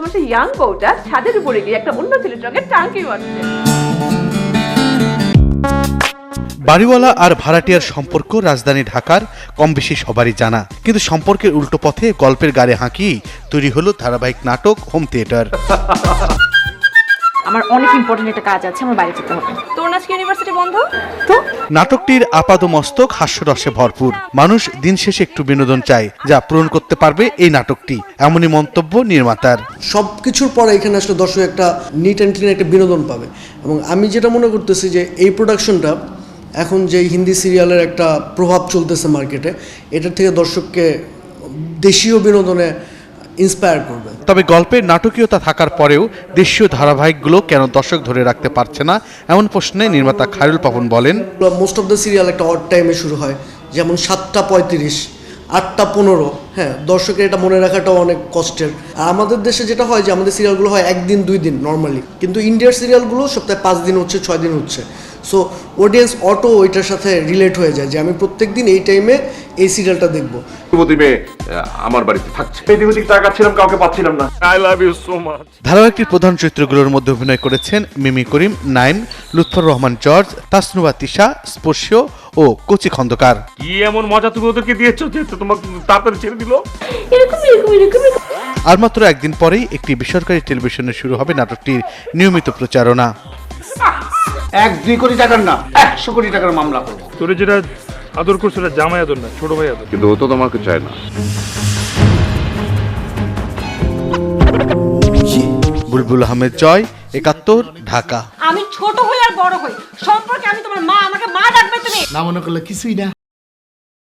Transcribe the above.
সেই ইয়াং বউটা ছাদের উপরে গিয়ে একটা অন্য ছেলের সঙ্গে টাঙ্কি মারছে। বাড়িওয়ালা আর ভাড়াটিয়ার সম্পর্ক রাজধানী ঢাকার কম বেশি সবারই জানা, কিন্তু সম্পর্কের উল্টো পথে গল্পের গাড়ে হাঁকি তৈরি হলো ধারাবাহিক নাটক হোম থিয়েটার। আমার অনেক ইম্পর্টেন্ট একটা কাজ আছে, আমার বাড়ি যেতে হবে। তোর আজকে ইউনিভার্সিটি বন্ধ তো? নাটকটির আপাদমস্তক হাস্যরসে ভরপুর। মানুষ দিন শেষে একটু বিনোদন চায়, যা পূরণ করতে পারবে এই নাটকটি, এমনই মন্তব্য নির্মাতার। সবকিছুর পরে এখানে আসলে দর্শক একটা নিট অ্যান্ড ক্লিন একটা বিনোদন পাবে। এবং আমি যেটা মনে করতেছি যে এই প্রোডাকশনটা এখন যে হিন্দি সিরিয়ালের একটা প্রভাব চলতেছে মার্কেটে, এটার থেকে দর্শককে দেশীয় বিনোদনে ইন্সপায়ার করবে। তবে গল্পের নাটকীয়তা থাকার পরেও দেশীয় ধারাবাহিকগুলো কেন দর্শক ধরে রাখতে পারছে না, এমন প্রশ্নে নির্মাতা খায়রুল পাপন বলেন, মোস্ট অফ দ্য সিরিয়াল একটা অড টাইমে শুরু হয়, যেমন 7:35, 8:15। হ্যাঁ, দর্শকের এটা মনে রাখাটাও অনেক কষ্টের। আর আমাদের দেশে যেটা হয় যে আমাদের সিরিয়ালগুলো হয় 1 দিন 2 দিন নর্মালি, কিন্তু ইন্ডিয়ার সিরিয়ালগুলো সপ্তাহে 5 দিন হচ্ছে, 6 দিন হচ্ছে। সো অডিয়েন্স অটো ওইটার সাথে রিলেট হয়ে যায় যে আমি প্রত্যেক দিন এই টাইমে এই সিরিয়ালটা দেখবো। আমার বাড়িতে থাকছে, এদিক টাকা ছিলাম, কাউকে পাচ্ছিলাম না। I love you so much. ধারাবাহিকটির প্রধান চরিত্রগুলোর মধ্যে অভিনয় করেছেন মিমি করিম, নাইম, লুৎফর রহমান জর্জ, তাসনুবা তিশা, স্পর্শীয় ও কচি খন্দকার। কি এমন মজা তুমি ওদেরকে দিয়েছো যে তোমাকে তাড়াতাড়ি ছেড়ে দিল? আর মাত্র একদিন পরেই একটি বেসরকারি টেলিভিশনে শুরু হবে নাটকটির নিয়মিত প্রচারণা। 1-2 কোটি টাকার না, 100 কোটি টাকার মামলা করবো। তোরে যেটা আদর করছে ওটা জামাই আদর না, ছোট ভাই আদর। কিন্তু ও তো তোমাকে চায় না। বুলবুল আহমেদ জয়, 71, ঢাকা। আমি ছোট হই আর বড় হই, সম্পর্কে আমি তোমার মা, আমাকে মা ডাকবে তুমি। না মনে করলে কিছুই না।